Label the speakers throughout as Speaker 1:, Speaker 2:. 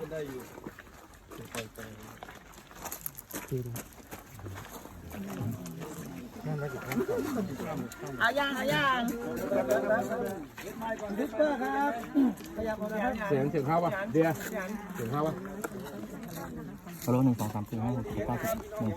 Speaker 1: ได้อยู่
Speaker 2: เอาย่างดิสเปอร์ครับ
Speaker 3: เสียงเข้าป่ะเดียเสียงเข้าป่ะ
Speaker 4: ฮัลโหล1 2 3 4 5 6 7 8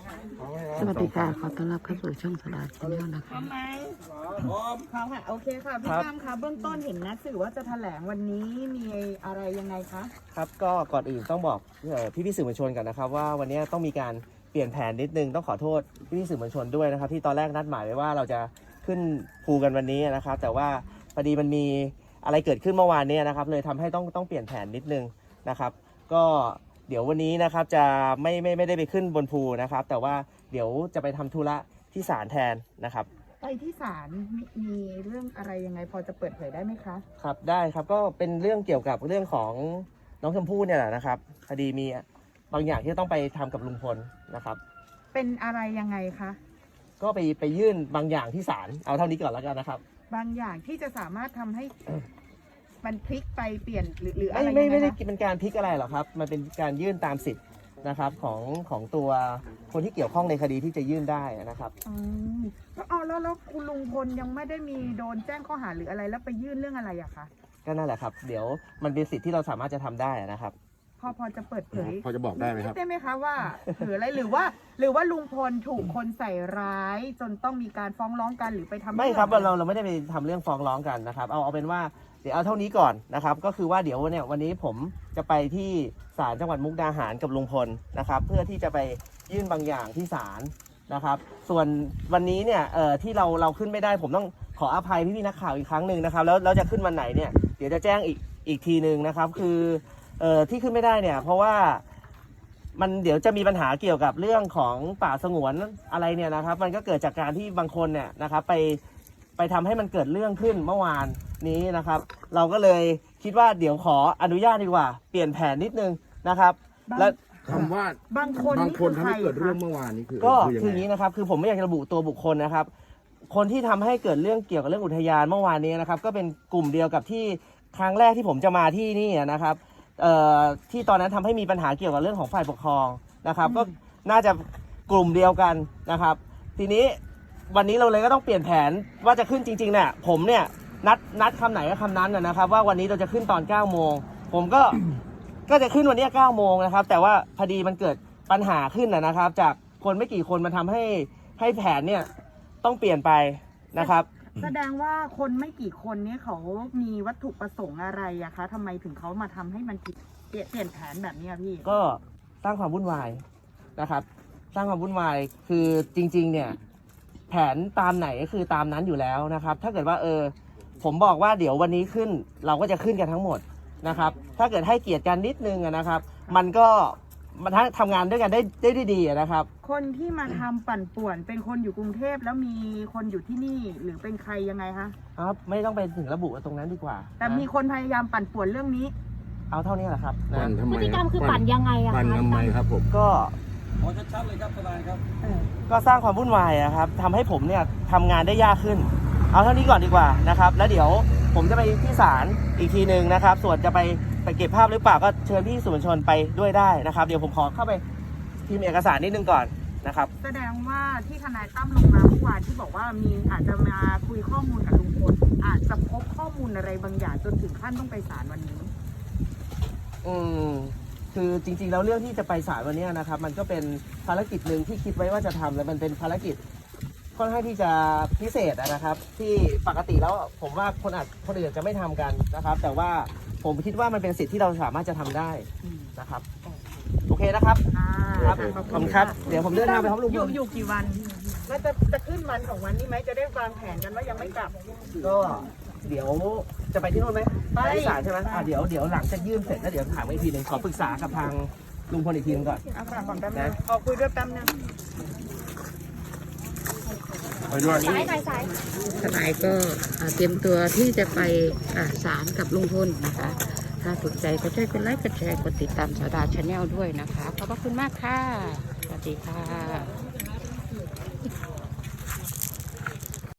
Speaker 4: 9
Speaker 5: สวัสดีค่ะขอต้อนรับเข้าสู่ช่องสดาชแนลนะคะ
Speaker 2: พร้อมไหมพร้อมค่ะโอเคค่ะพี่ตั้มคะเบื้องต้นเห็นนะสื่อว่าจะแถลงวันนี้มีอะไรยังไงคะ
Speaker 6: ครับก็ก่อนอื่นต้องบอกพี่สื่อมวลชนกันนะครับว่าวันนี้ต้องมีการเปลี่ยนแผนนิดนึงต้องขอโทษพี่สื่อมวลชนด้วยนะครับที่ตอนแรกนัดหมายไว้ว่าเราจะขึ้นภูกันวันนี้นะครับแต่ว่าพอดีมันมีอะไรเกิดขึ้นเมื่อวานนี้นะครับเลยทำให้ต้องเปลี่ยนแผนนิดนึงนะครับก็เดี๋ยววันนี้นะครับจะไม่ได้ไปขึ้นบนภูนะครับแต่ว่าเดี๋ยวจะไปทำธุระที่ศาลแทนนะครับ
Speaker 2: ไปที่ศาลมีเรื่องอะไรยังไงพอจะเปิดเผยได้ไหมคะ
Speaker 6: ครับได้ครับก็เป็นเรื่องเกี่ยวกับเรื่องของน้องชมพู่เนี่ยแหละนะครับคดีมีบางอย่างที่ต้องไปทำกับลุงพลนะครับ
Speaker 2: เป็นอะไรยังไงคะ
Speaker 6: ก็ไปยื่นบางอย่างที่ศาลเอาเท่านี้ก่อนแล้วกันนะครับ
Speaker 2: บางอย่างที่จะสามารถทำให้มันพลิกไปเปลี่ยนหรืออะไร
Speaker 6: ไม่ได้เป็นการพลิกอะไรหรอกครับมันเป็นการยื่นตามสิทธิ์นะครับของตัวคนที่เกี่ยวข้องในคดีที่จะยื่นได้นะครับ
Speaker 2: แล้วคุณลุงพลยังไม่ได้มีโดนแจ้งข้อหาหรืออะไรแล้วไปยื่นเรื่องอะไรอะคะ
Speaker 6: ก็นั่นแหละครับเดี๋ยวมันเป็นสิทธิ์ที่เราสามารถจะทำได้นะครับ
Speaker 2: พอจะเปิดเผย
Speaker 3: พอจะบอกได้ไหมครับ
Speaker 2: ได้ไหมคะว่าหรืออะไรหรือว่าลุงพลถูกคนใส่ร้ายจนต้องมีการฟ้องร้องกันหรือไปทำ
Speaker 6: ไม่ครับเราไม่ได้ไปทำเรื่องฟ้องร้องกันนะครับเอาเป็นว่าเดี๋ยวเอาเท่านี้ก่อนนะครับก็คือว่าเดี๋ยวเนี่ยวันนี้ผมจะไปที่ศาลจังหวัดมุกดาหารกับลุงพลนะครับเพื่อที่จะไปยื่นบางอย่างที่ศาลนะครับส่วนวันนี้เนี่ยที่เราขึ้นไม่ได้ผมต้องขออภัยพี่นักข่าวอีกครั้งหนึ่งนะครับแล้วจะขึ้นวันไหนเนี่ยเดี๋ยวจะแจ้งอีกทีหนึ่งนะครับคือที่ขึ้นไม่ได้เนี่ยเพราะว่ามันเดี๋ยวจะมีปัญหาเกี่ยวกับเรื่องของป่าสงวนอะไรเนี่ยนะครับมันก็เกิดจากการที่บางคนเนี่ยนะครับไปทำให้มันเกิดเรื่องขึ้นเมื่อวานนี้นะครับเราก็เลยคิดว่าเดี๋ยวขออนุญาตดีกว่าเปลี่ยนแผนนิดนึงนะครับและ
Speaker 3: คำว่า
Speaker 2: บางคน
Speaker 3: ทำให้เกิดเรื่องเมื่อวานนี้
Speaker 6: ก็คืออย่างนี้นะครับคือผมไม่อยากจะระบุตัวบุคคลนะครับคนที่ทำให้เกิดเรื่องเกี่ยวกับเรื่องอุทยานเมื่อวานนี้นะครับก็เป็นกลุ่มเดียวกับที่ครั้งแรกที่ผมจะมาที่นี่นะครับที่ตอนนั้นทำให้มีปัญหาเกี่ยวกับเรื่องของฝ่ายปกครองนะครับก็น่าจะกลุ่มเดียวกันนะครับทีนี้วันนี้เราเลยก็ต้องเปลี่ยนแผนว่าจะขึ้นจริงๆเนี่ยผมเนี่ยนัดคำไหนก็คำนั้นนะครับว่าวันนี้เราจะขึ้นตอน9 โมงผมก็จะขึ้นวันนี้9 โมงนะครับแต่ว่าพอดีมันเกิดปัญหาขึ้นนะครับจากคนไม่กี่คนมันทำให้แผนเนี่ยต้องเปลี่ยนไปนะครับ
Speaker 2: แสดงว่าคนไม่กี่คนนี้เขามีวัตถุประสงค์อะไรอะคะทำไมถึงเขามาทำให้มันเปลี่ยนแผนแบบนี้พี่
Speaker 6: ก็สร้างความวุ่นวายนะครับสร้างความวุ่นวายคือจริงๆเนี่ยแผนตามไหนก็คือตามนั้นอยู่แล้วนะครับถ้าเกิดว่าผมบอกว่าเดี๋ยววันนี้ขึ้นเราก็จะขึ้นกันทั้งหมดนะครับถ้าเกิดให้เกียรติกันนิดนึงนะครับมันก็มันทำงานด้วยกันได้ดีนะครับ
Speaker 2: คนที่มาทำปั่นป่วนเป็นคนอยู่กรุงเทพแล้วมีคนอยู่ที่นี่หรือเป็นใครยังไงคะ
Speaker 6: ครับไม่ต้องไปถึงระบุตรงนั้นดีกว่า
Speaker 2: แต่มีคนพยายามปั่นป่วนเรื่องนี้
Speaker 6: เอาเท่านี้แหละครับ
Speaker 5: พฤติกรรมคือปั่นยังไงอะคะ
Speaker 3: ปั่นทำไมครับผม
Speaker 6: ก็
Speaker 1: ขอชัดๆเลยครับทนายครับ
Speaker 6: ก็สร้างความวุ่นวายครับทำให้ผมเนี่ยทำงานได้ยากขึ้นเอาเท่านี้ก่อนดีกว่านะครับแล้วเดี๋ยวผมจะไปที่ศาลอีกทีหนึ่งนะครับส่วนจะไปเก็บภาพหรือเปล่าก็เชิญพี่สื่อมวลชนไปด้วยได้นะครับเดี๋ยวผมขอเข้าไปพิมพ์เอกสารนิดนึงก่อนนะครับ
Speaker 2: แสดงว่าที่ทนายตั้มลงมาเมื่อวานที่บอกว่ามีอาจจะมาคุยข้อมูลกับลุงพลอาจจะพบข้อมูลอะไรบางอย่างจนถึงขั้นต้องไปศาลวันนี้
Speaker 6: คือจริงๆแล้วเรื่องที่จะไปศาลวันนี้นะครับมันก็เป็นภารกิจหนึ่งที่คิดไว้ว่าจะทำและมันเป็นภารกิจค่อนข้างที่จะพิเศษนะครับที่ปกติแล้วผมว่าคนอื่นจะไม่ทำกันนะครับแต่ว่าผมคิดว่ามันเป็นสิทธิ์ที่เราสามารถจะทำได้นะครับโอเคนะครับครับขอบคุณครับเดี๋ยวผมเดินทางไปพร้อมลุงพล
Speaker 2: อยู่กี่วันน่าจะขึ้นวัน2 วันนี้ไหมจะได้วางแผนกันว่ายังไม่กลับ
Speaker 6: ก็เดี๋ยวจะไปที่โน่นไหมไปศาลใช่ไหมเดี๋ยวหลังจากยื่นเสร็จแล้วเดี๋ยวถามอีกทีหนึ่งขอปรึกษากับทางลุงพลอีกทีนึงก่อน
Speaker 2: ก่อนแป๊บนึงขอคุยด้วยแป๊บนึง
Speaker 3: ไปด้วย
Speaker 5: ทนายก็เตรียมตัวที่จะไปศาลกับลุงพลนะคะ ถ้าถูกใจก็ช่วยกดไลค์กดแชร์กดติดตามสดาชาแนลด้วยนะคะขอบพระคุณมากค่ะสวัสดีค่ะ